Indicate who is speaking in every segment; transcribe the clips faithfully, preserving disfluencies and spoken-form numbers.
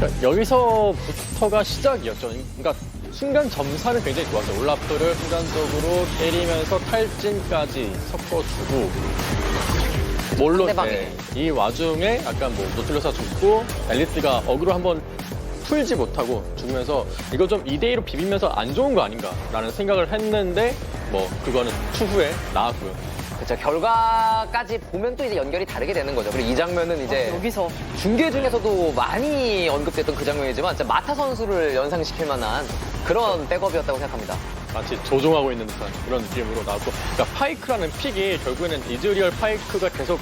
Speaker 1: 그러니까 여기서부터가 시작이었죠. 그러니까 순간 점사는 굉장히 좋았어요. 올라프를 순간적으로 때리면서 탈진까지 섞어주고 몰로
Speaker 2: 상대방에게.
Speaker 1: 네, 이 와중에 약간 뭐 노틀러스가 죽고 엘리트가 어그로 한번 풀지 못하고 죽으면서 이거 좀 이 대 이로 비비면서 안 좋은 거 아닌가라는 생각을 했는데 뭐 그거는 추후에 나왔고요.
Speaker 2: 그렇죠. 결과까지 보면 또 이제 연결이 다르게 되는 거죠. 그리고 이 장면은 이제
Speaker 3: 아, 여기서
Speaker 2: 중계 중에서도 많이 언급됐던 그 장면이지만 진짜 마타 선수를 연상시킬 만한 그런 백업이었다고 생각합니다.
Speaker 1: 마치 조종하고 있는 듯한 그런 느낌으로 나왔고, 그러니까 파이크라는 픽이 결국에는 이즈리얼 파이크가 계속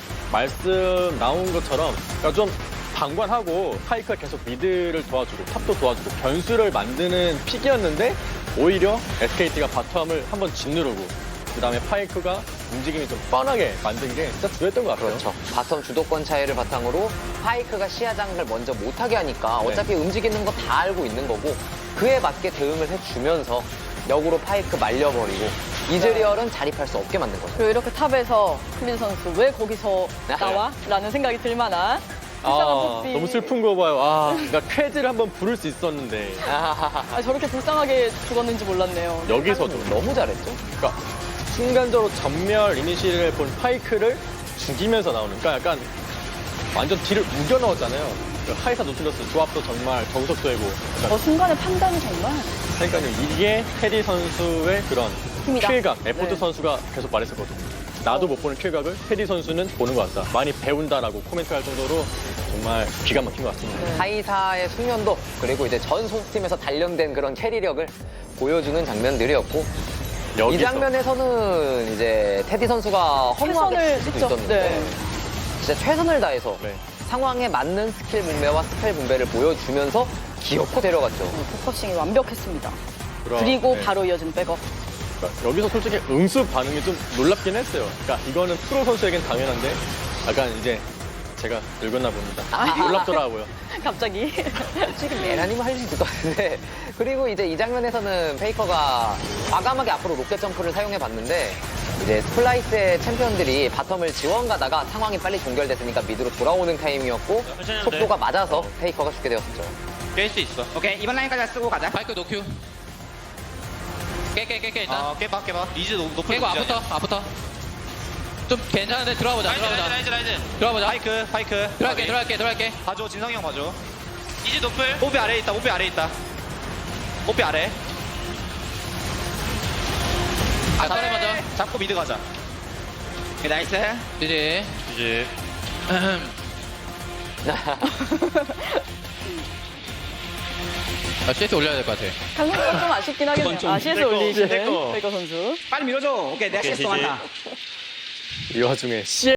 Speaker 1: 말씀 나온 것처럼 그러니까 좀 방관하고 파이크가 계속 미드를 도와주고 탑도 도와주고 변수를 만드는 픽이었는데 오히려 에스케이티가 바텀을 한번 짓누르고 그다음에 파이크가 움직임이 좀 뻔하게 만든 게 진짜 주요했던 것 같아요.
Speaker 2: 그렇죠. 바텀 주도권 차이를 바탕으로 파이크가 시야 장악을 먼저 못하게 하니까
Speaker 1: 네.
Speaker 2: 어차피 움직이는 거 다 알고 있는 거고 그에 맞게 대응을 해주면서 역으로 파이크 말려버리고 이즈리얼은 자립할 수 없게 만든 거죠.
Speaker 3: 그리고 이렇게 탑에서 클린 선수 왜 거기서 나와? 라는 생각이 들 만한 불쌍한
Speaker 1: 아,
Speaker 3: 뽀삐.
Speaker 1: 너무 슬픈 거 봐요. 아, 그러니까 쾌지를 한번 부를 수 있었는데
Speaker 3: 아, 저렇게 불쌍하게 죽었는지 몰랐네요.
Speaker 1: 여기서도
Speaker 2: 너무 잘했죠.
Speaker 1: 그러니까 순간적으로 전멸 이니시를 본 파이크를 죽이면서 나오는, 그러니까 약간 완전 뒤를 우겨 넣었잖아요. 그 하이사 노틸러스 조합도 정말 정석도이고.
Speaker 3: 저 순간의 판단이 정말
Speaker 1: 그러니까요, 이게 테디 선수의 그런
Speaker 3: 힘이다.
Speaker 1: 킬각, 에포트
Speaker 3: 네.
Speaker 1: 선수가 계속 말했었거든요. 나도 못 보는 킬각을 테디 선수는 보는 것 같다. 많이 배운다라고 코멘트할 정도로 정말 기가 막힌 것 같습니다.
Speaker 3: 네.
Speaker 2: 하이사의 숙련도 그리고 이제 전 소속팀에서 단련된 그런 캐리력을 보여주는 장면들이었고
Speaker 1: 여기서
Speaker 2: 이 장면에서는 이제 테디 선수가 허무하게
Speaker 3: 최선을
Speaker 2: 칠 수도
Speaker 3: 했죠.
Speaker 2: 있었는데
Speaker 3: 네.
Speaker 2: 진짜 최선을 다해서
Speaker 1: 네.
Speaker 2: 상황에 맞는 스킬 분배와 스펠 분배를 보여주면서 기어코 데려갔죠.
Speaker 3: 포커싱이 완벽했습니다.
Speaker 1: 그럼,
Speaker 3: 그리고
Speaker 1: 네.
Speaker 3: 바로 이어진 백업.
Speaker 1: 그러니까 여기서 솔직히 응수 반응이 좀 놀랍긴 했어요. 그러니까 이거는 프로 선수에겐 당연한데 약간 이제 제가 늙었나 봅니다. 놀랍더라고요.
Speaker 3: 갑자기.
Speaker 2: 솔직히 메라님은 할 수 있을 것 같은데 그리고 이제 이 장면에서는 페이커가 과감하게 앞으로 로켓 점프를 사용해 봤는데 이제 스플라이스의 챔피언들이 바텀을 지원 가다가 상황이 빨리 종결됐으니까 미드로 돌아오는 타이밍이었고
Speaker 4: 천천히 하면
Speaker 2: 속도가
Speaker 4: 돼.
Speaker 2: 맞아서 페이커가 죽게 되었죠.
Speaker 4: 깰 수 있어.
Speaker 5: 오케이 이번 라인까지 쓰고 가자.
Speaker 6: 바이크 노큐. 깨, 깨, 깨, 깨, 일단.
Speaker 4: 어, 깨봐, 깨봐. 리즈 높- 높을
Speaker 6: 깨고
Speaker 4: 문제야.
Speaker 6: 앞부터, 앞부터. 좀 괜찮은데 들어가 보자,
Speaker 4: 라이즈,
Speaker 6: 들어가 보자.
Speaker 4: 라이즈, 라이즈, 라이즈.
Speaker 6: 들어가 보자.
Speaker 4: 파이크, 파이크.
Speaker 6: 들어갈게, 들어갈게, 들어갈게.
Speaker 4: 봐줘, 진성이 형 봐줘. 이즈 높을. 뽀삐 아래에 있다, 뽀삐 아래에 있다. 뽀삐 아래.
Speaker 6: 자, 사례 먼저.
Speaker 4: 잡고 미드 가자.
Speaker 5: 오케이, 나이스.
Speaker 6: 이제.
Speaker 4: 이제.
Speaker 6: 아, 씨에스 올려야 될 것 같아.
Speaker 3: 강민수가 좀 아쉽긴 하겠네요.
Speaker 4: 좀
Speaker 3: 아, 씨에스
Speaker 4: 내 거,
Speaker 3: 올리시는
Speaker 4: 내 거.
Speaker 3: 페이커 선수.
Speaker 5: 빨리 밀어줘. 오케이 내가
Speaker 4: 오케이,
Speaker 5: 실수 많다.
Speaker 1: 이 와중에 씨